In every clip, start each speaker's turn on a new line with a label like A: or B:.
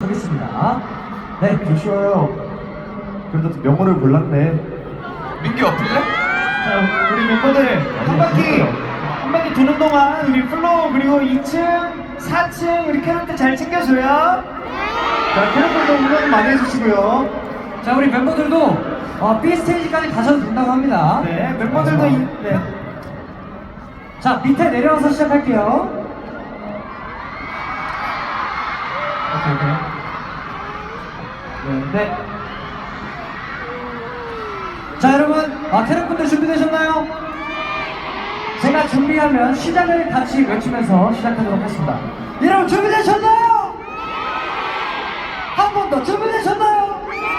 A: 하겠습니다. 네,
B: 조슈아요. 그래도 명호를 몰랐네.
C: 민기 어플래?
A: 자, 우리 멤버들 한 바퀴 도는 동안 우리 플로우 그리고 2층, 4층 우리 캐럿들 잘 챙겨줘요. 자, 캐럿들도 응원 많이 해주시고요. 자, 우리 멤버들도 B 스테이지까지 가셔도 된다고 합니다. 네, 멤버들도 네. 자, 밑에 내려와서 시작할게요. 오케이. 네. 자, 여러분, 캐럿분들 준비되셨나요? 제가 준비하면 시작을 같이 외치면서 시작하도록 하겠습니다. 여러분 준비되셨나요? 한 번 더 준비되셨나요?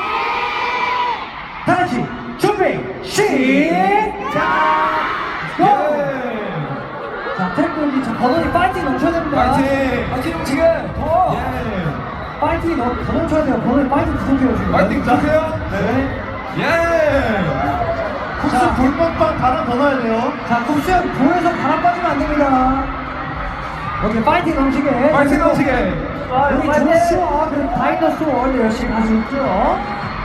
A: 다 같이 준비 시작! 고! 자, 트랙분들 저 버논이 파이팅 넘쳐야 됩니다.
C: 파이팅 지금 더
A: 파이팅 더 넘쳐야 돼요. 버논이 파이팅 부족해요 지금.
C: 파이팅 주세요.
A: 네.
C: 예.
A: 국수 불빵빵 바람 더 넣어야 돼요. 자, 국수 형 보여서 바람 빠지면 안 됩니다. 오케이, 파이팅 넘치게.
C: 파이팅 넘치게.
A: 우리 조슈아 그리고 다이너소어 열심히 가고 있죠.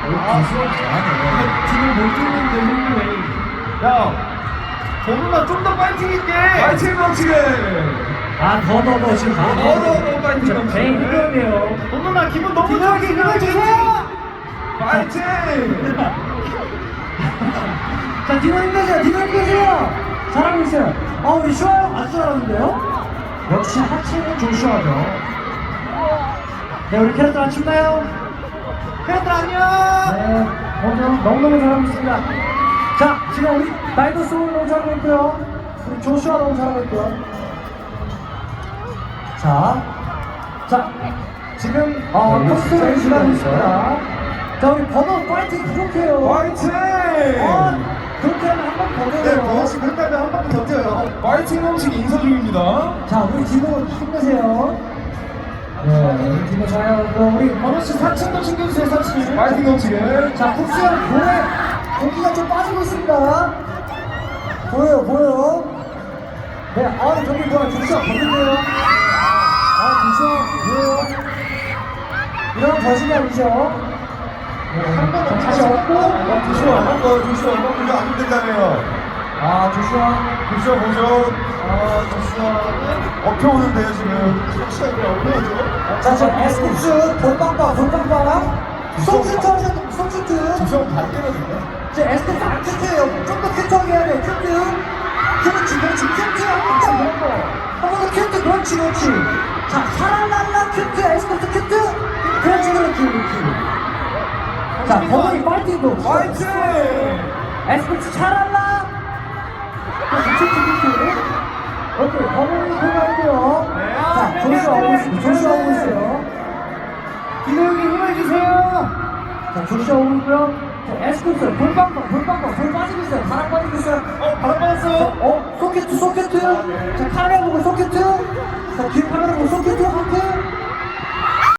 A: 지금 못 뛰는데
B: 야, 정훈아 좀 더 파이팅 있게.
C: 파이팅 넘치게.
A: 더 지금
C: 더 파이팅 넘치게.
A: 제일 힘들네요.
B: 정훈아 기분 너무
A: 기분 힘을 주세요.
C: 파이팅.
A: 자, 디노 힘내세요. 잘하고 있어요. 우리 슈아 형 아주 잘하는데요? 역시 하체는 조슈아죠. 네, 우리 캐럿들 안 춥나요? 캐럿들 안녕! 네, 너무너무 잘하고 있습니다. 자, 지금 우리 다이너소울 너무 잘하고 있고요. 우리 조슈아 너무 잘하고 있고요. 자, 지금 컵스를 지나고 있습니다. 자, 우리 버논 파이팅 부족해요.
C: 파이팅.
A: 그렇게 하면 한 번 더
B: 네,
A: 돼요.
B: 버논씨 그렇게 하면 한 바퀴 더 뛰어요.
C: 파이팅 넘치게 인사 중입니다.
A: 자, 우리 디노 힘내세요. 네, 우리 디노 좋아요. 우리 버논씨 4층도 챙겨주세요, 4층.
C: 파이팅 넘치게.
A: 자, 국수형 볼에 고기가 좀 빠지고 있습니다. 보여요. 네, 저기 뭐야, 국수형 보는데요. 국수형 보여요. 이런 거짓이 아니죠? 한번 다시 얻고.
B: 조슈아 이거 안 힘들다며요.
A: 조슈아
B: 보죠. 업혀오는데요 지금. 조슈아 왜 업혀오죠?
A: 자, 에스쿱스 볼빵빵. 손슈트.
B: 조슈아 발 때려준다.
A: 에스쿱스 안 큐트예요. 좀 더 큐트하게 해야 돼. 그렇지. 큐트 한 번 더 큐트. 그렇지. 자, 샤랄랄라 큐트. 에스쿱스 큐트. 그렇지. 자, 버논이 파이팅도.
C: 파이팅.
A: 에스쿱스 샤랄라. 큐트. 오케이, 버논이 들어가는데요. 자, 조슈아 오고 있어요. 디노 형이 힘을 주세요. 자, 조슈아 오고 있고요. 자, 에스쿱스 볼빵빵. 볼 빠지고 있어요. 바람 빠지고 있어요.
B: 바람 빠졌어요.
A: 소켓. 자, 카메라 보고 소켓. 자, 뒤에 카메라 보고 소켓. 오케이.